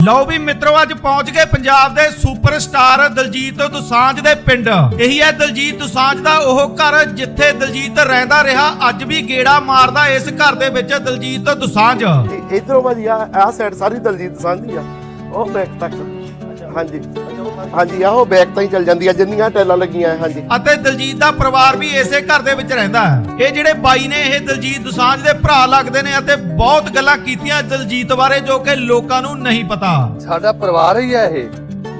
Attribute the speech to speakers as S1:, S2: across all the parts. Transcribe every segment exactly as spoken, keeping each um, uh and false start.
S1: ਲਓ ਵੀ ਮਿੱਤਰੋ ਅੱਜ ਪਹੁੰਚ ਗਏ ਪੰਜਾਬ ਦੇ ਸੁਪਰਸਟਾਰ ਦਲਜੀਤ ਦੋਸਾਂਝ ਦੇ ਪਿੰਡ। ਇਹੀ ਹੈ ਦਲਜੀਤ ਦੋਸਾਂਝ ਦਾ ਉਹ ਘਰ ਜਿੱਥੇ ਦਲਜੀਤ ਰਹਿੰਦਾ ਰਿਹਾ। ਅੱਜ ਵੀ ਗੇੜਾ ਮਾਰਦਾ ਇਸ ਘਰ ਦੇ ਵਿੱਚ ਦਲਜੀਤ ਦੋਸਾਂਝ।
S2: ਇਧਰੋਂ ਭਾਜੀ ਆ ਆ ਸਾਈਡ ਸਾਰੀ ਦਲਜੀਤ ਦੋਸਾਂਝ ਦੀ ਆ, ਉਹ ਬੈਕ ਤੱਕ। ਹਾਂਜੀ ਹਾਂਜੀ ਆਹੋ ਬੈਕ ਤਾਂ ਹੀ ਚੱਲ ਜਾਂਦੀ ਆ ਜਿੰਨੀਆਂ ਟੈਲਾਂ ਲੱਗੀਆਂ। ਹਾਂਜੀ
S1: ਅਤੇ ਦਲਜੀਤ ਦਾ ਪਰਿਵਾਰ ਵੀ ਇਸੇ ਘਰ ਦੇ ਵਿੱਚ ਰਹਿੰਦਾ ਹੈ। ਇਹ ਜਿਹੜੇ ਬਾਈ ਨੇ ਇਹ ਦਲਜੀਤ ਦੋਸਾਂਝ ਦੇ ਭਰਾ ਲੱਗਦੇ ਨੇ ਅਤੇ ਬਹੁਤ ਗੱਲਾਂ ਕੀਤੀਆਂ ਦਲਜੀਤ ਬਾਰੇ ਜੋ ਕਿ ਲੋਕਾਂ ਨੂੰ ਨਹੀਂ ਪਤਾ।
S3: ਸਾਡਾ ਪਰਿਵਾਰ ਹੀ ਹੈ ਇਹ।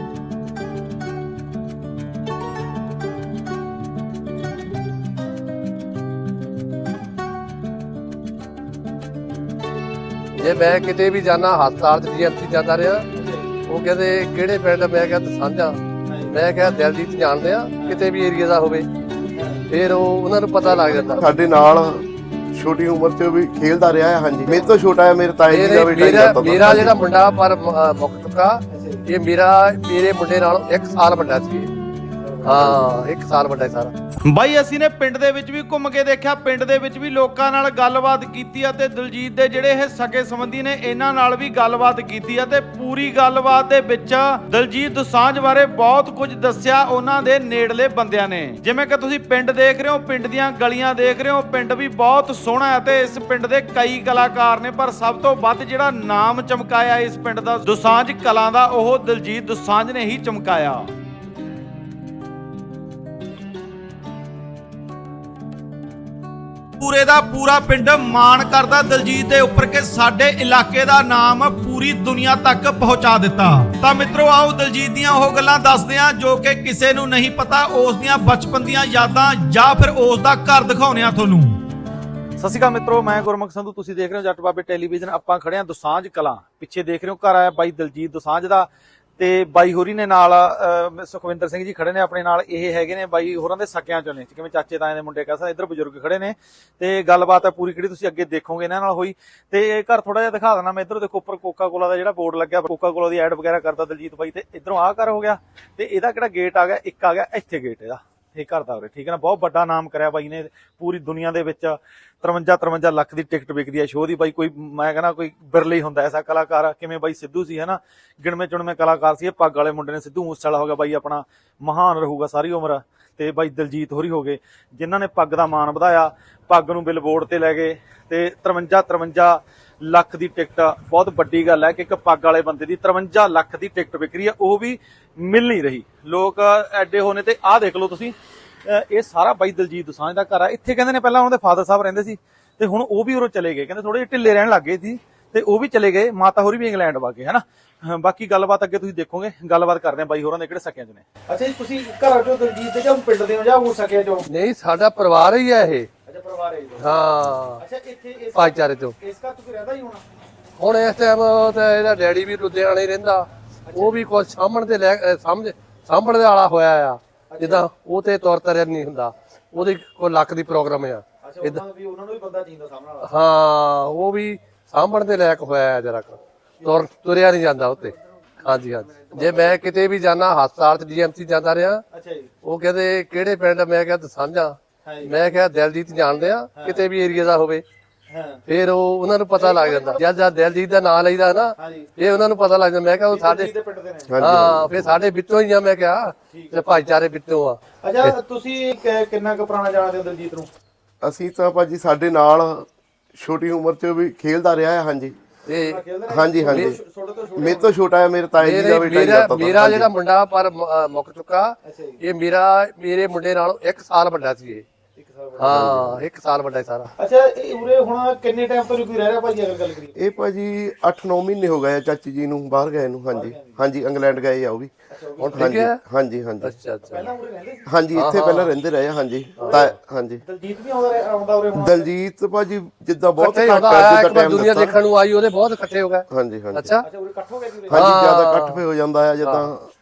S3: ਜੇ ਮੈਂ ਕਿਤੇ ਵੀ ਜਾਣਾ ਹਸਪਤਾਲ ਚ ਜੀਐਮਸੀ ਜਾਂਦਾ ਰਿਹਾ, ਉਹ ਕਹਿੰਦੇ ਕਿਹੜੇ ਪਿੰਡ? ਮੈਂ ਕਿਹਾ ਦੋਸਾਂਝਾ। ਮੈਂ ਕਿਹਾ ਦਿਲਜੀਤ ਜਾਣਦੇ ਆ, ਕਿਤੇ ਵੀ ਏਰੀਆ ਦਾ ਹੋਵੇ। ਫਿਰ ਉਹ ਉਹਨਾਂ ਨੂੰ ਪਤਾ ਲੱਗ ਜਾਂਦਾ।
S2: ਸਾਡੇ ਨਾਲ ਛੋਟੀ ਉਮਰ 'ਚ ਵੀ ਖੇਲਦਾ ਰਿਹਾ ਹੈ। ਹਾਂਜੀ ਮੇਰੇ ਤੋਂ ਛੋਟਾ ਹੈ, ਮੇਰੇ ਤਾਏ ਜੀ ਦਾ ਵੀ ਟਾਈਮ ਜਾਂਦਾ।
S3: ਮੇਰਾ ਜਿਹੜਾ ਮੁੰਡਾ ਪਰ ਮੁੱਕ ਚੁੱਕਾ, ਇਹ ਮੇਰਾ ਮੇਰੇ ਮੁੰਡੇ ਨਾਲੋਂ ਇੱਕ ਸਾਲ ਵੱਡਾ ਸੀ। ਹਾਂ ਇੱਕ ਸਾਲ ਵੱਡਾ ਸਾਰਾ।
S1: ਬਾਈ ਅਸੀਂ ਨੇ ਪਿੰਡ ਦੇ ਵਿੱਚ ਵੀ ਘੁੰਮ ਕੇ ਦੇਖਿਆ, ਪਿੰਡ ਦੇ ਵਿੱਚ ਵੀ ਲੋਕਾਂ ਨਾਲ ਗੱਲਬਾਤ ਕੀਤੀ ਅਤੇ ਦਲਜੀਤ ਦੇ ਜਿਹੜੇ ਇਹ ਸਕੇ ਸੰਬੰਧੀ ਨੇ ਇਹਨਾਂ ਨਾਲ ਵੀ ਗੱਲਬਾਤ ਕੀਤੀ ਅਤੇ ਪੂਰੀ ਗੱਲਬਾਤ ਦੇ ਵਿੱਚ ਦਲਜੀਤ ਦੋਸਾਂਝ ਬਾਰੇ ਬਹੁਤ ਕੁਝ ਦੱਸਿਆ ਉਹਨਾਂ ਦੇ ਨੇੜਲੇ ਬੰਦਿਆਂ ਨੇ। ਜਿਵੇਂ ਕਿ ਤੁਸੀਂ ਪਿੰਡ ਦੇਖ ਰਹੇ ਹੋ, ਪਿੰਡ ਦੀਆਂ ਗਲੀਆਂ ਦੇਖ ਰਹੇ ਹੋ, ਪਿੰਡ ਵੀ ਬਹੁਤ ਸੋਹਣਾ ਹੈ ਤੇ ਇਸ ਪਿੰਡ ਦੇ ਕਈ ਕਲਾਕਾਰ ਨੇ, ਪਰ ਸਭ ਤੋਂ ਵੱਧ ਜਿਹੜਾ ਨਾਮ ਚਮਕਾਇਆ ਇਸ ਪਿੰਡ ਦਾ ਦੋਸਾਂਝ ਕਲਾਂ ਦਾ, ਉਹ ਦਲਜੀਤ ਦੋਸਾਂਝ ਨੇ ਹੀ ਚਮਕਾਇਆ। ਪੂਰੇ ਦਾ ਪੂਰਾ ਪਿੰਡ ਮਾਣ ਕਰਦਾ ਦਲਜੀਤ ਦੇ ਉੱਪਰ ਕਿ ਸਾਡੇ ਇਲਾਕੇ ਦਾ ਨਾਮ ਪੂਰੀ ਦੁਨੀਆ ਤੱਕ ਪਹੁੰਚਾ ਦਿੱਤਾ। ਤਾਂ ਮਿੱਤਰੋ ਆਓ ਦਲਜੀਤ ਦੀਆਂ ਉਹ ਗੱਲਾਂ ਦੱਸਦੇ ਹਾਂ ਜੋ ਕਿ ਕਿਸੇ ਨੂੰ ਨਹੀਂ ਪਤਾ, ਉਸ ਦੀਆਂ ਬਚਪਨ ਦੀਆਂ ਯਾਦਾਂ ਜਾਂ ਫਿਰ ਉਸ ਦਾ ਘਰ ਦਿਖਾਉਂਦੇ ਆ ਤੁਹਾਨੂੰ। ਸਤਿ ਸ਼੍ਰੀ ਅਕਾਲ ਮਿੱਤਰੋ, ਮੈਂ ਗੁਰਮੁਖ ਸੰਧੂ, ਤੁਸੀਂ ਦੇਖ ਰਹੇ ਹੋ ਜੱਟ ਬਾਬੇ ਟੈਲੀਵਿਜ਼ਨ। ਆਪਾਂ ਖੜੇ ਹਾਂ ਦੋਸਾਂਝ ਕਲਾਂ, ਪਿੱਛੇ ਦੇਖ ਰਹੇ ਹੋ ਘਰ ਆਇਆ ਬਾਈ ਦਲਜੀਤ ਦੋਸਾਂਝ ਦਾ ਤੇ ਬਾਈ ਹੋਰੀ ਨੇ ਨਾਲ ਸੁਖਵਿੰਦਰ ਸਿੰਘ ਜੀ ਖੜੇ ਨੇ ਆਪਣੇ ਨਾਲ। ਇਹ ਹੈਗੇ ਨੇ ਬਾਈ ਹੋਰਾਂ ਦੇ ਸਕਿਆਂ ਚੋਂ ਨੇ, ਕਿਵੇਂ ਚਾਚੇ ਤਾਏ ਦੇ ਮੁੰਡੇ ਕਹਿ ਸਕਦੇ। ਇੱਧਰ ਬਜ਼ੁਰਗ ਖੜੇ ਨੇ ਤੇ ਗੱਲਬਾਤ ਹੈ ਪੂਰੀ ਕਿਹੜੀ ਤੁਸੀਂ ਅੱਗੇ ਦੇਖੋਗੇ ਇਹਨਾਂ ਨਾਲ ਹੋਈ। ਤੇ ਇਹ ਘਰ ਥੋੜਾ ਜਿਹਾ ਦਿਖਾ ਦੇਣਾ ਮੈਂ। ਇੱਧਰ ਦੇਖੋ ਉੱਪਰ ਕੋਕਾ ਕੋਲਾ ਦਾ ਜਿਹੜਾ ਬੋਰਡ ਲੱਗਿਆ, ਕੋਕਾ ਕੋਲਾ ਦੀ ਐਡ ਵਗੈਰਾ ਕਰਦਾ ਦਲਜੀਤ ਬਾਈ। ਤੇ ਇੱਧਰੋਂ ਆਹ ਘਰ ਹੋ ਗਿਆ ਤੇ ਇਹਦਾ ਕਿਹੜਾ ਗੇਟ ਆ ਗਿਆ, ਇੱਕ ਆ ਗਿਆ ਇੱਥੇ ਗੇਟ ਇਹਦਾ, ਇਹ ਘਰ ਦਾ ਉਰੇ, ਠੀਕ ਹੈ ਨਾ। ਬਹੁਤ ਵੱਡਾ ਨਾਮ ਕਰਿਆ ਬਾਈ ਨੇ ਪੂਰੀ ਦੁਨੀਆ ਦੇ ਵਿੱਚ। ਤਰਵੰਜਾ ਤਰਵੰਜਾ ਲੱਖ ਦੀ ਟਿਕਟ ਵਿਕਦੀ ਹੈ ਸ਼ੋਅ ਦੀ ਬਾਈ। ਕੋਈ ਮੈਂ ਕਹਿੰਦਾ ਕੋਈ ਬਿਰਲੇ ਹੀ ਹੁੰਦਾ ਐਸਾ ਕਲਾਕਾਰ। ਕਿਵੇਂ ਬਾਈ ਸਿੱਧੂ ਸੀ ਹਨਾ, ਗਿਣਵੇਂ ਚੁਣਵੇਂ ਕਲਾਕਾਰ ਸੀ। ਇਹ ਪੱਗ ਵਾਲੇ ਮੁੰਡੇ ਨੇ, ਸਿੱਧੂ ਮੂਸੇਵਾਲਾ ਹੋ ਗਿਆ ਬਾਈ ਆਪਣਾ, ਮਹਾਨ ਰਹੂਗਾ ਸਾਰੀ ਉਮਰ। ਤੇ ਬਾਈ ਦਲਜੀਤ ਹੋਰੀ ਹੋ ਗਏ ਜਿਨ੍ਹਾਂ ਨੇ ਪੱਗ ਦਾ ਮਾਣ ਵਧਾਇਆ, ਪੱਗ ਨੂੰ ਬਿਲਬੋਰਡ ਤੇ ਲੈ ਗਏ। ਤੇ ਤਰਵੰਜਾ ਤਰਵੰਜਾ ਲੱਖ ਦੀ ਟਿਕਟ ਬਹੁਤ ਵੱਡੀ ਗੱਲ ਹੈ ਕਿ ਇੱਕ ਪੱਗ ਵਾਲੇ ਬੰਦੇ ਦੀ ਤਰਵੰਜਾ ਲੱਖ ਦੀ ਟਿਕਟ ਵਿਕ ਰਹੀ ਹੈ, ਉਹ ਵੀ ਮਿਲ ਨਹੀਂ ਰਹੀ। ਲੋਕ ਐਡੇ ਹੋਣੇ। ਤੇ ਆਹ ਦੇਖ ਲਓ ਤੁਸੀਂ, ਇਹ ਸਾਰਾ ਬਾਈ ਦਲਜੀਤ ਦੋਸਾਂਝ ਦਾ ਘਰ ਆ। ਇੱਥੇ ਕਹਿੰਦੇ ਨੇ ਪਹਿਲਾਂ ਉਹਨਾਂ ਦੇ ਫਾਦਰ ਸਾਹਿਬ ਰਹਿੰਦੇ ਸੀ ਤੇ ਹੁਣ ਉਹ ਵੀ ਉਰੋਂ ਚਲੇ ਗਏ, ਕਹਿੰਦੇ ਥੋੜੇ ਜਿਹੇ ਢਿੱਲੇ ਰਹਿਣ ਲੱਗ ਗਏ ਸੀ ਤੇ ਉਹ ਵੀ ਚਲੇ ਗਏ। ਮਾਤਾ ਹੋਰੀ ਵੀ ਇੰਗਲੈਂਡ ਵਾ ਗਏ ਹਨਾ। ਬਾਕੀ ਗੱਲਬਾਤ ਅੱਗੇ ਤੁਸੀਂ ਦੇਖੋਗੇ। ਗੱਲਬਾਤ ਕਰਦੇ ਆ ਬਾਈ ਹੋਰਾਂ ਦੇ ਕਿਹੜੇ ਸਕਿਆਂ ਚ ਨੇ। ਅੱਛਾ ਜੀ, ਤੁਸੀਂ ਘਰਾਂ ਚੋਂ ਦਲਜੀਤ ਦੇ ਜਾਂ ਪਿੰਡ ਦੇ ਹੋ ਜਾਂ ਉਹ ਸਕਿਆਂ ਚੋਂ?
S3: ਨਹੀਂ ਸਾਡਾ ਪਰਿਵਾਰ ਹੀ ਹੈ ਇਹ।
S1: ਅੱਛਾ ਪਰਿਵਾਰ ਹੈ।
S3: ਹਾਂ
S1: ਅੱਛਾ ਇੱਥੇ ਇਸ
S3: ਭਾਈਚਾਰੇ ਤੋਂ
S1: ਇਸ ਘਰ ਤੁਸੀਂ ਰਹਿੰਦਾ ਹੀ ਹੋਣਾ
S3: ਹੁਣ ਇਸ ਟਾਈਮ। ਤਾਂ ਇਹਦਾ ਡੈਡੀ ਵੀ ਲੁਧਿਆਣੇ ਰਹਿੰਦਾ, ਉਹ ਵੀ ਕੁਝ ਸਾਂਭਣ ਤੇ ਲੈ ਸਮਝ ਸਾਂਭਣ ਦੇ ਵਾਲਾ ਹੋਇਆ ਆ। ਜਿੱਦਾਂ ਉਹ ਤੇ ਤੁਰ ਤਰਿਆ ਨਹੀਂ ਹੁੰਦਾ, ਉਹਦੀ ਕੋਈ ਲੱਖ ਦੀ ਪ੍ਰੋਗਰਾਮ ਆ।
S1: ਉਹਨਾਂ ਨੂੰ ਵੀ ਉਹਨਾਂ ਨੂੰ ਵੀ ਬੰਦਾ ਚਾਹੀਦਾ ਸਾਹਮਣੇ ਵਾਲਾ।
S3: ਹਾਂ ਉਹ ਵੀ ਸਾਂਭਣ ਦੇ ਲਾਇਕ ਹੋਇਆ ਜਰਾ ਤੁਰ ਤੁਰਿਆ ਨਹੀਂ ਜਾਂਦਾ ਉੱਤੇ। ਹਾਂਜੀ ਹਾਂਜੀ ਜੇ ਮੈਂ ਕਿਤੇ ਵੀ ਜਾਣਾ ਹਸਪਤਾਲ ਚ ਜੀਐਮਸੀ ਜਾਂਦਾ ਰਿਹਾ,
S1: ਅੱਛਾ ਜੀ,
S3: ਉਹ ਕਹਿੰਦੇ ਕਿਹੜੇ ਪਿੰਡ? ਮੈਂ ਕਿਹਾ ਦੋਸਾਂਝਾ। ਮੈਂ ਕਿਹਾ ਦਿਲਜੀਤ ਜਾਣਦੇ ਆ, ਕਿਤੇ ਵੀ ਏਰੀਆ ਦਾ ਹੋਵੇ। ਫਿਰ ਉਹ ਉਹਨਾਂ ਨੂੰ ਪਤਾ ਲੱਗ ਜਾਂਦਾ। ਜਦ ਜਦ ਦਿਲਜੀਤ ਦਾ ਨਾਂ ਲਈਦਾ ਨਾ, ਇਹ ਉਹਨਾਂ ਨੂੰ ਪਤਾ ਲੱਗ ਜਾਂਦਾ। ਮੈਂ ਕਿਹਾ ਉਹ ਸਾਡੇ ਹਾਂ ਫਿਰ ਸਾਡੇ ਵਿੱਚੋਂ ਹੀ ਆ। ਮੈਂ ਕਿਹਾ ਤੇ ਭਾਈਚਾਰੇ ਵਿੱਚੋਂ ਆ।
S1: ਅੱਛਾ ਤੁਸੀਂ ਕਿੰਨਾ ਕੁ ਪੁਰਾਣਾ ਜਾਣਦੇ ਹੋ ਦਲਜੀਤ ਨੂੰ?
S2: ਅਸੀਂ ਤਾਂ ਭਾਜੀ ਸਾਡੇ ਨਾਲ ਛੋਟੀ ਉਮਰ 'ਚ ਵੀ ਖੇਲਦਾ ਰਿਹਾ ਹੈ। ਹਾਂਜੀ
S3: ਤੇ
S2: ਹਾਂਜੀ ਹਾਂਜੀ ਮੇਰੇ ਤੋਂ ਛੋਟਾ ਹੈ, ਮੇਰੇ ਤਾਏ ਜੀ ਦਾ ਵੀ ਟਾਈਮ ਜਾਂਦਾ।
S3: ਮੇਰਾ ਜਿਹੜਾ ਮੁੰਡਾ ਪਰ ਮੁੱਕ ਚੁੱਕਾ, ਇਹ ਮੇਰਾ ਮੇਰੇ ਮੁੰਡੇ ਨਾਲੋਂ ਇੱਕ ਸਾਲ ਵੱਡਾ ਸੀ ਇਹ। ਹਾਂ ਇੱਕ ਸਾਲ ਵੱਡਾ ਸਾਰਾ।
S1: ਅੱਛਾ ਇਹ ਉਰੇ ਹੁਣ ਕਿੰਨੇ ਟਾਈਮ ਤੋਂ ਕੋਈ ਰਹਿ ਰਿਹਾ ਭਾਜੀ ਅਗਰ ਗੱਲ ਕਰੀਏ?
S2: ਇਹ ਭਾਜੀ ਅੱਠ ਨੌ ਮਹੀਨੇ ਹੋ ਗਏ ਆ ਚਾਚੀ ਜੀ ਨੂੰ ਬਾਹਰ ਗਏ ਨੂੰ। ਹਾਂਜੀ ਹਾਂਜੀ ਇੰਗਲੈਂਡ ਗਏ ਆ ਉਹ ਵੀ।
S3: ਹੁਣ ਠੀਕ ਹੈ।
S2: ਹਾਂਜੀ ਹਾਂਜੀ
S3: ਅੱਛਾ ਅੱਛਾ
S1: ਪਹਿਲਾਂ ਉਰੇ ਰਹਿੰਦੇ ਸੀ?
S2: ਹਾਂਜੀ ਇੱਥੇ ਪਹਿਲਾਂ ਰਹਿੰਦੇ ਰਹੇ ਆ। ਹਾਂਜੀ ਤਾਂ ਹਾਂਜੀ
S1: ਦਲਜੀਤ ਵੀ ਆਉਂਦਾ ਆਉਂਦਾ ਉਰੇ ਹੁਣ?
S2: ਦਲਜੀਤ ਭਾਜੀ ਜਿੱਦਾਂ ਬਹੁਤ
S3: ਘੱਟ
S2: ਜਿੱਦਾਂ ਟਾਈਮ
S3: ਦੁਨੀਆ ਦੇਖਣ ਨੂੰ ਆਈ, ਉਹਦੇ ਬਹੁਤ ਇਕੱਠੇ ਹੋ ਗਏ।
S2: ਹਾਂਜੀ ਹਾਂਜੀ
S1: ਅੱਛਾ ਉਰੇ ਇਕੱਠ ਹੋ ਗਏ ਜੀ?
S2: ਹਾਂਜੀ ਜਿਆਦਾ ਇਕੱਠ ਹੋ ਜਾਂਦਾ ਹੈ ਜਿੱਦਾਂ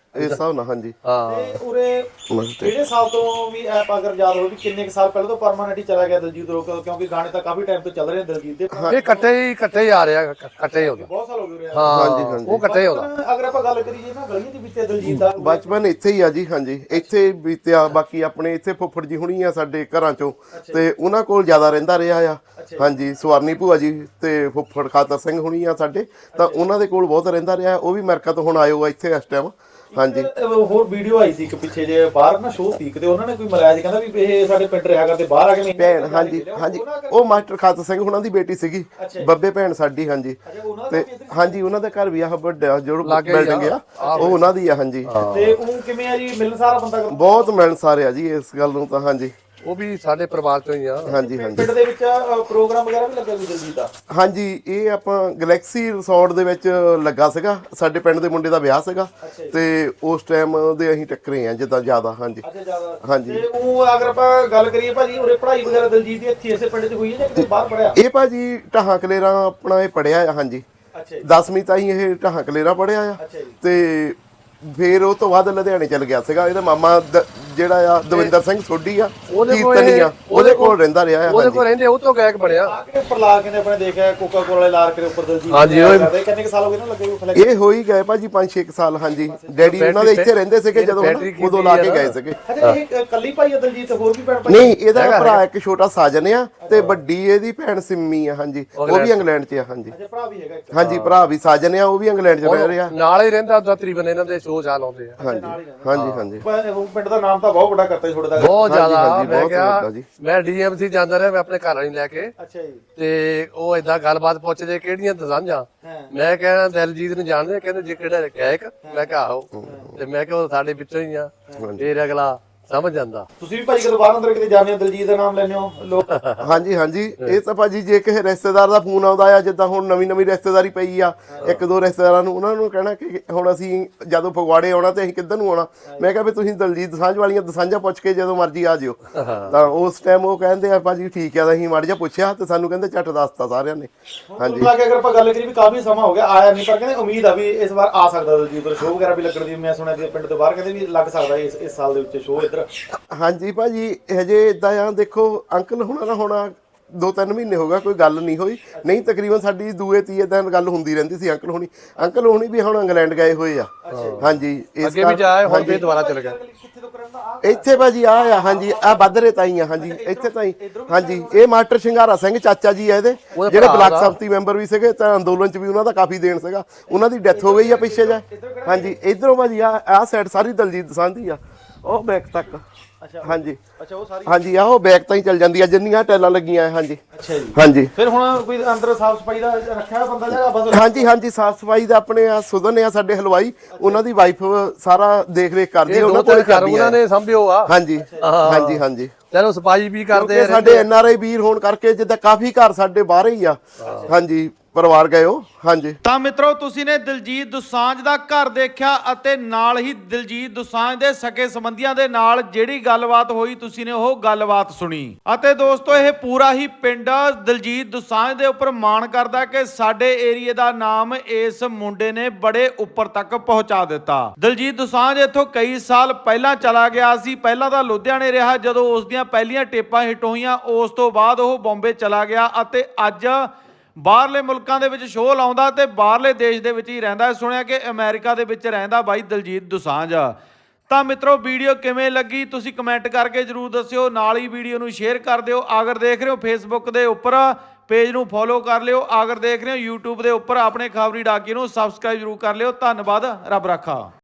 S2: ਇਸ ਹਿਸਾਬ ਨਾਲ ਹਾਂਜੀ
S3: ਹਾਂ
S4: ਤੇ ਉਰੇ ਕਿਹੜੇ ਸਾਲ ਤੋਂ ਵੀ ਐਪ ਅਗਰ ਯਾਦ ਹੋਵੇ ਵੀ ਕਿੰਨੇ ਕੁ ਸਾਲ ਪਹਿਲਾਂ ਤੋਂ ਪਰਮਾਨੈਂਟ ਹੀ ਚਲਾ ਗਿਆ ਦਲਜੀਤ ਰੋਕ ਕਿਉਂਕਿ ਗਾਣੇ ਤਾਂ ਕਾਫੀ ਟਾਈਮ ਤੋਂ ਚੱਲ ਰਹੇ ਨੇ ਦਲਜੀਤ ਦੇ
S3: ਇਹ ਇਕੱਠੇ ਹੀ ਇਕੱਠੇ ਹੀ ਆ ਰਿਹਾ ਇਕੱਠੇ ਹੀ ਹੁੰਦਾ
S4: ਬਹੁਤ ਸਾਲ ਹੋ ਗਏ ਉਰੇ
S3: ਹਾਂ
S2: ਹਾਂਜੀ, ਹਾਂਜੀ।
S3: ਉਹ ਇਕੱਠੇ ਹੀ ਹੁੰਦਾ
S4: ਅਗਰ ਆਪਾਂ ਗੱਲ ਕਰੀਏ ਨਾ ਗਲੀਆਂ ਦੇ ਵਿੱਚ ਦਲਜੀਤ ਦਾ
S2: ਬਚਪਨ ਇੱਥੇ ਹੀ ਆ ਜੀ ਹਾਂਜੀ ਇੱਥੇ ਬੀਤਿਆ ਬਾਕੀ ਆਪਣੇ ਇੱਥੇ ਫੁੱਫੜ ਜੀ ਹੁਣੀ ਆ ਸਾਡੇ ਘਰਾਂ ਚੋਂ ਤੇ ਉਹਨਾਂ ਕੋਲ ਜ਼ਿਆਦਾ ਰਹਿੰਦਾ ਰਿਹਾ ਆ ਹਾਂਜੀ ਸਵਰਨੀ ਭੂਆ ਜੀ ਤੇ ਫੁੱਫੜ ਖਾਤਰ ਸਿੰਘ ਹੁਣੀ ਆ ਸਾਡੇ ਤਾਂ ਉਹਨਾਂ ਦੇ ਕੋਲ ਬਹੁਤ ਰਹਿੰਦਾ ਰਿਹਾ ਉਹ ਵੀ ਅਮਰੀਕਾ ਤੋਂ ਹੁਣ ਆਏ ਹੋ ਇੱਥੇ ਇਸ ਟਾਈਮ ਹਾਂਜੀ
S4: ਹੋਰ ਵੀਡੀਓ ਆਈ ਸੀ ਇੱਕ ਪਿੱਛੇ ਜੇ ਬਾਹਰ ਨਾ ਸ਼ੋਅ ਸੀ ਕਿਤੇ ਉਹਨਾਂ ਨੇ ਕੋਈ ਮਲਾਇਆ ਸੀ ਕਹਿੰਦਾ ਵੀ ਇਹ ਸਾਡੇ ਪਿੰਡ ਰਿਹਾ ਕਰਦੇ ਬਾਹਰ ਆ ਕੇ
S2: ਭੈਣ ਹਾਂਜੀ ਹਾਂਜੀ ਉਹ ਮਾਸਟਰ ਖਾਤਰ ਸਿੰਘ ਹੁਣਾਂ ਦੀ ਬੇਟੀ ਸੀਗੀ ਬੱਬੇ ਭੈਣ ਸਾਡੀ ਹਾਂਜੀ ਤੇ ਹਾਂਜੀ ਉਹਨਾਂ ਦਾ ਘਰ ਵੀ ਆ ਵੱਡਾ ਜੋ ਬਿਲਡਿੰਗ ਆ ਉਹ ਉਹਨਾਂ ਦੀ ਆ ਹਾਂਜੀ
S4: ਤੇ ਉਹ ਕਿਵੇਂ ਆ ਜੀ ਮਿਲਣਸਾਰ ਬੰਦਾ
S2: ਬਹੁਤ ਮਿਲਣਸਾਰ ਆ ਜੀ ਇਸ ਗੱਲ ਨੂੰ ਤਾਂ ਹਾਂਜੀ
S3: ਉਹ ਵੀ ਸਾਡੇ ਪਰਿਵਾਰ ਚੋਂ ਹੀ ਆ
S2: ਹਾਂਜੀ ਹਾਂਜੀ
S4: ਪਿੰਡ ਦੇ ਵਿੱਚ ਪ੍ਰੋਗਰਾਮ ਵਗੈਰਾ ਵੀ ਲੱਗਾ ਸੀ ਦਲਜੀਤ ਦਾ
S2: ਹਾਂਜੀ ਇਹ ਆਪਾਂ ਗੈਲੈਕਸੀ ਰਿਸੋਰਟ ਦੇ ਵਿੱਚ ਲੱਗਾ ਸੀਗਾ ਸਾਡੇ ਪਿੰਡ ਦੇ ਮੁੰਡੇ ਦਾ ਵਿਆਹ ਸੀਗਾ ਤੇ ਉਸ ਟਾਈਮ ਦੇ ਅਸੀਂ ਟੱਕਰੇ ਆ ਜਿੱਦਾਂ ਜ਼ਿਆਦਾ ਹਾਂਜੀ
S4: ਅੱਛਾ ਜ਼ਿਆਦਾ
S2: ਹਾਂਜੀ
S4: ਤੇ ਉਹ ਅਗਰ ਆਪਾਂ ਗੱਲ ਕਰੀਏ ਭਾਜੀ ਉਰੇ ਪੜ੍ਹਾਈ ਵਗੈਰਾ ਦਲਜੀਤ ਦੀ ਇੱਥੇ ਇਸੇ ਪਿੰਡ 'ਚ ਹੋਈ ਹੈ ਜਾਂ ਕਿਤੇ ਬਾਹਰ ਪੜਿਆ
S2: ਇਹ ਭਾਜੀ ਢਾਹਾਂ ਕਲੇਰਾ ਆਪਣਾ ਇਹ ਪੜਿਆ ਆ ਹਾਂਜੀ
S4: ਅੱਛਾ ਜੀ
S2: ਦਸਵੀਂ ਤਾਈਂ ਇਹ ਢਾਹਾਂ ਕਲੇਰਾ ਪੜਿਆ ਆ
S4: ਅੱਛਾ ਜੀ
S2: ਤੇ ਫਿਰ ਉਹ ਤੋਂ ਬਾਅਦ ਲੁਧਿਆਣੇ ਚਲ ਗਿਆ ਸੀਗਾ ਇਹਦਾ ਮਾਮਾ ਦ- ਜਿਹੜਾ ਆ ਦਵਿੰਦਰ ਸਿੰਘ ਸੋਢੀ ਆ ਕੀਰਤਨੀ ਆ ਉਹਦੇ ਕੋਲ ਰਹਿੰਦਾ ਰਿਹਾ ਆ
S3: ਉਹਦੇ ਕੋਲ ਰਹਿੰਦੇ ਉਹ ਤੋਂ ਗਾਇਕ ਬਣਿਆ
S4: ਆ ਕੇ ਉੱਪਰ ਲਾ ਕੇ ਨੇ ਆਪਣੇ ਦੇਖਿਆ ਕੋਕਾ ਕੋਲਾ ਵਾਲੇ ਲਾਰ ਕੇ ਉੱਪਰ ਦਲਜੀਤ
S3: ਹਾਂਜੀ, ਉਹ-
S4: ਕਰਦੇ ਕਿੰਨੇ ਕੁ ਸਾਲ ਹੋ ਗਏ ਨਾ ਲੱਗੇ ਉਹ ਫਲੈਕਸ
S2: ਇਹ ਹੋ ਹੀ ਗਏ ਭਾਜੀ ਪੰਜ ਛੇ ਸਾਲ ਹਾਂਜੀ ਡੈਡੀ ਉਹਨਾਂ ਦੇ ਇੱਥੇ ਰਹਿੰਦੇ ਸੀਗੇ ਜਦੋਂ ਹਨਾ,
S3: ਬੈਟਰੀ
S2: ਉਦੋਂ ਲਾ ਕੇ ਗਏ ਸੀਗੇ
S4: ਅੱਛਾ ਇਹ ਕੱਲੀ ਭਾਈ ਆ ਦਲਜੀਤ ਹੋਰ ਵੀ ਭੈਣ ਭਾਈ
S2: ਨਹੀਂ ਇਹਦਾ ਭਰਾ ਇੱਕ ਛੋਟਾ ਸਾਜਨ ਆ ਤੇ ਵੱਡੀ ਇਹਦੀ ਭੈਣ ਸਿੰਮੀ ਆ ਹਾਂਜੀ ਉਹ ਵੀ ਇੰਗਲੈਂਡ 'ਚ ਆ ਹਾਂਜੀ
S4: ਅੱਛਾ ਭਰਾ ਵੀ ਹੈਗਾ ਇੱਕ
S2: ਹਾਂਜੀ ਭਰਾ ਵੀ ਸਾਜਨ ਆ ਉਹ ਵੀ ਇੰਗਲੈਂਡ 'ਚ ਰਹਿ ਰਿਹਾ
S3: ਨਾਲ ਹੀ ਰਹਿੰਦਾ ਉਦਾਂ ਤਕਰੀਬਨ ਇਹਨਾਂ ਦੇ ਸ਼ੋਅ ਚਾਲ ਆਉਂਦੇ ਆ
S2: ਹਾਂਜੀ ਹਾਂਜੀ ਹਾਂਜੀ
S4: ਪਰ ਉਹ ਪਿੰਡ ਦਾ ਨਾਮ ਤਾਂ ਬਹੁਤ ਵੱਡਾ ਕਰਤਾ ਛੋੜਦਾ
S3: ਬਹੁਤ ਜ਼ਿਆਦਾ
S2: ਹਾਂਜੀ,
S3: ਮੈਂ
S2: ਬਹੁਤ
S3: ਕਿਹਾ
S2: ਵੱਡਾ ਜੀ।
S3: ਮੈਂ ਡੀਐਮਸੀ ਜਾਂਦਾ ਰਿਹਾ ਮੈਂ ਆਪਣੇ ਘਰ ਵਾਲੀ ਲੈ ਕੇ
S4: ਅੱਛਾ ਜੀ
S3: ਤੇ ਉਹ ਏਦਾਂ ਗੱਲਬਾਤ ਪੁੱਛਦੇ ਕਿਹੜੀਆਂ ਦਸਾਂਝਾਂ
S4: ਹਾਂ
S3: ਮੈਂ ਕਹਿੰਦਾ ਦਿਲਜੀਤ ਨੂੰ ਜਾਣਦੇ ਆ? ਕਹਿੰਦੇ ਜੇ ਕਿਹੜਾ ਗਾਇਕ ਮੈਂ ਕਿਹਾ ਆਹੋ ਤੇ ਮੈਂ ਕਿਹਾ ਉਹ ਸਾਡੇ ਵਿੱਚੋਂ ਹੀ ਆ ਫੇਰ ਅਗਲਾ ਸਮਝ ਜਾਂਦਾ
S4: ਤੁਸੀਂ ਵੀ ਭਾਈ ਕਦੋਂ ਬਾਹਰ ਅੰਦਰ ਕਿਤੇ ਜਾਂਦੇ ਹੋ ਦਲਜੀਤ ਦਾ ਨਾਮ ਲੈਂਦੇ ਹੋ ਲੋਕ
S2: ਹਾਂਜੀ ਹਾਂਜੀ ਇਹ ਤਾਂ ਭਾਜੀ ਜੇ ਕਿਸੇ ਰਿਸ਼ਤੇਦਾਰ ਦਾ ਫੋਨ ਆਉਂਦਾ ਆ ਜਿੱਦਾਂ ਹੁਣ ਨਵੀਂ ਨਵੀਂ ਰਿਸ਼ਤੇਦਾਰੀ ਪਈ ਆ ਇੱਕ ਦੋ ਰਿਸ਼ਤੇਦਾਰਾਂ ਨੂੰ ਉਹਨਾਂ ਨੂੰ ਕਹਿਣਾ ਕਿ ਹੁਣ ਅਸੀਂ ਜਦੋਂ ਫਗਵਾੜੇ ਆਉਣਾ ਤੇ ਅਸੀਂ ਕਿੱਧਰ ਨੂੰ ਆਉਣਾ ਮੈਂ ਕਿਹਾ ਵੀ ਤੁਸੀਂ ਦਲਜੀਤ ਦਸਾਂਝ ਵਾਲੀਆਂ ਦਸਾਂਝਾਂ ਪੁੱਛ ਕੇ ਜਦੋਂ ਮਰਜ਼ੀ ਆ ਜਿਓ ਤਾਂ ਉਸ ਟਾਈਮ ਉਹ ਕਹਿੰਦੇ ਆ ਭਾਜੀ ਠੀਕ ਆ ਤਾਂ ਅਸੀਂ ਮਾੜਾ ਜਿਹਾ ਪੁੱਛਿਆ ਤੇ ਸਾਨੂੰ ਕਹਿੰਦੇ ਝੱਟ ਦੱਸਤਾ ਸਾਰਿਆਂ ਨੇ
S4: ਹਾਂਜੀ ਲਾ ਕੇ ਅਗਰ ਆਪਾਂ ਗੱਲ ਕਰੀਏ ਵੀ ਕਾਫੀ ਸਮਾਂ ਹੋ ਗਿਆ ਆਇਆ ਨਹੀਂ ਪਰ ਕਹਿੰਦੇ ਉਮੀਦ ਆ ਵੀ ਇਸ ਵਾਰ ਆ ਸਕਦਾ ਦਲਜੀਤ ਦਾ ਸ਼ੋਅ ਵਗੈਰਾ ਵੀ ਲੱਗਣ ਦੀ ਮੈਂ ਸੁਣਿਆ ਕਿ ਪਿੰਡ ਤੋਂ ਬਾਹਰ ਕਹਿੰਦੇ ਵੀ ਲੱਗ ਸਕਦਾ ਇਸ ਇਸ ਸਾਲ ਦੇ ਵਿੱਚ ਸ਼ੋਅ ਇੱਧਰ
S2: ਹਾਂਜੀ ਭਾਜੀ ਹਜੇ ਇਦਾਂ ਆ ਦੇਖੋ ਅੰਕਲ ਹੁਣਾਂ ਨਾਲ ਹੋਣਾ ਦੋ ਤਿੰਨ ਮਹੀਨੇ ਹੋ ਗਿਆ ਕੋਈ ਗੱਲ ਨਹੀਂ ਹੋਈ ਨਹੀਂ ਤਕਰੀਬਨ ਸਾਡੀ ਦੂਏ ਤੀਏ ਦਿਨ ਗੱਲ ਹੁੰਦੀ ਰਹਿੰਦੀ ਸੀ ਅੰਕਲ ਹੁਣੀ ਅੰਕਲ ਹੁਣੀ ਵੀ ਹੁਣ ਇੰਗਲੈਂਡ ਗਏ ਹੋਏ ਆ ਹਾਂਜੀ ਇਸ
S3: ਅੱਗੇ ਵੀ ਜਾਏ ਹੁਣ ਵੀ ਦੁਬਾਰਾ ਚਲੇ ਗਏ
S4: ਕਿੱਥੇ ਤੋਂ ਕਰਨ ਦਾ ਆ
S2: ਇੱਥੇ ਭਾਜੀ ਆ ਆ ਹਾਂਜੀ ਆ ਬੱਦਰੇ ਤਾਈ ਆ ਹਾਂਜੀ ਇੱਥੇ ਤਾਈ ਹਾਂਜੀ ਇਹ ਮਾਸਟਰ ਸ਼ਿੰਗਾਰਾ ਸਿੰਘ ਚਾਚਾ ਜੀ ਆ ਇਹਦੇ ਜਿਹੜੇ ਬਲਾਕ ਸੰਮਤੀ ਮੈਂਬਰ ਵੀ ਸੀਗੇ ਤਾਂ ਅੰਦੋਲਨ ਚ ਵੀ ਉਹਨਾਂ ਦਾ ਕਾਫੀ ਦੇਣ ਸੀਗਾ ਉਹਨਾਂ ਦੀ ਡੈਥ ਹੋ ਗਈ ਆ ਪਿੱਛੇ ਜਾ ਹਾਂਜੀ ਇਧਰੋਂ ਭਾਜੀ ਆ ਆ ਸਾਈਡ ਸਾਰੀ ਦਲਜੀਤ ਦਸਾਂਝ ਦੀ ਆ ਉਹ ਬੈਕ ਤੱਕ
S4: ਅੱਛਾ
S2: ਹਾਂਜੀ
S4: ਅੱਛਾ ਉਹ ਸਾਰੀ
S2: ਹਾਂਜੀ ਆ ਉਹ ਬੈਕ ਤਾਂ ਹੀ ਚੱਲ ਜਾਂਦੀ ਆ ਜਿੰਨੀਆਂ ਟੈਲਾਂ ਲੱਗੀਆਂ ਆ ਹਾਂਜੀ
S4: ਅੱਛਾ ਜੀ
S2: ਹਾਂਜੀ
S4: ਫਿਰ ਹੁਣ ਕੋਈ ਅੰਦਰ ਸਾਫ ਸਫਾਈ ਦਾ ਰੱਖਿਆ ਹੋਇਆ ਬੰਦਾ ਜਾਂ ਬਸ
S2: ਹਾਂਜੀ ਹਾਂਜੀ ਸਾਫ ਸਫਾਈ ਦਾ ਆਪਣੇ ਆ ਸੁਦਨ ਆ ਸਾਡੇ ਹਲਵਾਈ ਉਹਨਾਂ ਦੀ ਵਾਈਫ ਸਾਰਾ ਦੇਖ ਰੇਖ ਕਰਦੀ ਆ ਉਹਨਾਂ ਕੋਲ
S3: ਘਰ ਉਹਨਾਂ ਨੇ ਸੰਭਿਓ ਆ
S2: ਹਾਂਜੀ ਹਾਂਜੀ ਹਾਂਜੀ
S3: ਚਲੋ ਸਫਾਈ ਵੀ ਕਰਦੇ
S2: ਕਿਉਂਕਿ ਸਾਡੇ ਐਨ ਆਰ ਆਈ ਵੀਰ ਹੋਣ ਕਰਕੇ ਜਿੱਦਾਂ ਕਾਫੀ ਘਰ ਸਾਡੇ ਬਾਹਰ ਹੀ ਆ ਹਾਂਜੀ ਪਰਿਵਾਰ ਗਏ ਹੋ ਹਾਂਜੀ
S1: ਤਾਂ ਮਿੱਤਰੋ ਤੁਸੀਂ ਨੇ ਦਿਲਜੀਤ ਦੋਸਾਂਝ ਦਾ ਘਰ ਦੇਖਿਆ ਅਤੇ ਨਾਲ ਹੀ ਦਿਲਜੀਤ ਦੋਸਾਂਝ ਦੇ ਸਕੇ ਸੰਬੰਧੀਆਂ ਦੇ ਨਾਲ ਜਿਹੜੀ ਗੱਲਬਾਤ ਹੋਈ ਤੁਸੀਂ ਨੇ ਉਹ ਗੱਲਬਾਤ ਸੁਣੀ ਅਤੇ ਦੋਸਤੋ ਇਹ ਪੂਰਾ ਹੀ ਪਿੰਡ ਦਿਲਜੀਤ ਦੋਸਾਂਝ ਦੇ ਉੱਪਰ ਮਾਣ ਕਰਦਾ ਕਿ ਸਾਡੇ ਏਰੀਏ ਦਾ ਨਾਮ ਇਸ ਮੁੰਡੇ ਨੇ ਬੜੇ ਉੱਪਰ ਤੱਕ ਪਹੁੰਚਾ ਦਿੱਤਾ। ਦਿਲਜੀਤ ਦੋਸਾਂਝ ਇੱਥੋਂ ਕਈ ਸਾਲ ਪਹਿਲਾਂ ਚਲਾ ਗਿਆ ਸੀ। ਪਹਿਲਾਂ ਤਾਂ ਲੁਧਿਆਣੇ ਰਿਹਾ ਜਦੋਂ ਉਸ ਦੀਆਂ ਪਹਿਲੀਆਂ ਟੇਪਾਂ ਹਿੱਟ ਹੋਈਆਂ, ਉਸ ਤੋਂ ਬਾਅਦ ਉਹ ਬੰਬੇ ਚਲਾ ਗਿਆ ਅਤੇ ਅੱਜ ਬਾਹਰਲੇ ਮੁਲਕਾਂ ਦੇ ਵਿੱਚ ਸ਼ੋਅ ਲਾਉਂਦਾ ਤੇ ਬਾਹਰਲੇ ਦੇਸ਼ ਦੇ ਵਿੱਚ ਹੀ ਰਹਿੰਦਾ। ਸੁਣਿਆ ਕਿ ਅਮਰੀਕਾ ਦੇ ਵਿੱਚ ਰਹਿੰਦਾ ਬਾਈ ਦਿਲਜੀਤ ਦੋਸਾਂਝ। ਤਾਂ ਮਿੱਤਰੋ ਵੀਡੀਓ ਕਿਵੇਂ ਲੱਗੀ ਤੁਸੀਂ ਕਮੈਂਟ ਕਰਕੇ ਜਰੂਰ ਦੱਸਿਓ। ਨਾਲ ਹੀ ਵੀਡੀਓ ਨੂੰ ਸ਼ੇਅਰ ਕਰ ਦਿਓ। ਅਗਰ ਦੇਖ ਰਹੇ ਹੋ ਫੇਸਬੁੱਕ ਦੇ ਉੱਪਰ ਪੇਜ ਨੂੰ ਫੋਲੋ ਕਰ ਲਿਓ। ਅਗਰ ਦੇਖ ਰਹੇ ਹੋ YouTube ਦੇ ਉੱਪਰ ਆਪਣੇ ਖਬਰੀ ਡਾਕੀ ਨੂੰ ਸਬਸਕ੍ਰਾਈਬ ਜਰੂਰ ਕਰ ਲਿਓ। ਧੰਨਵਾਦ, ਰੱਬ ਰਾਖਾ।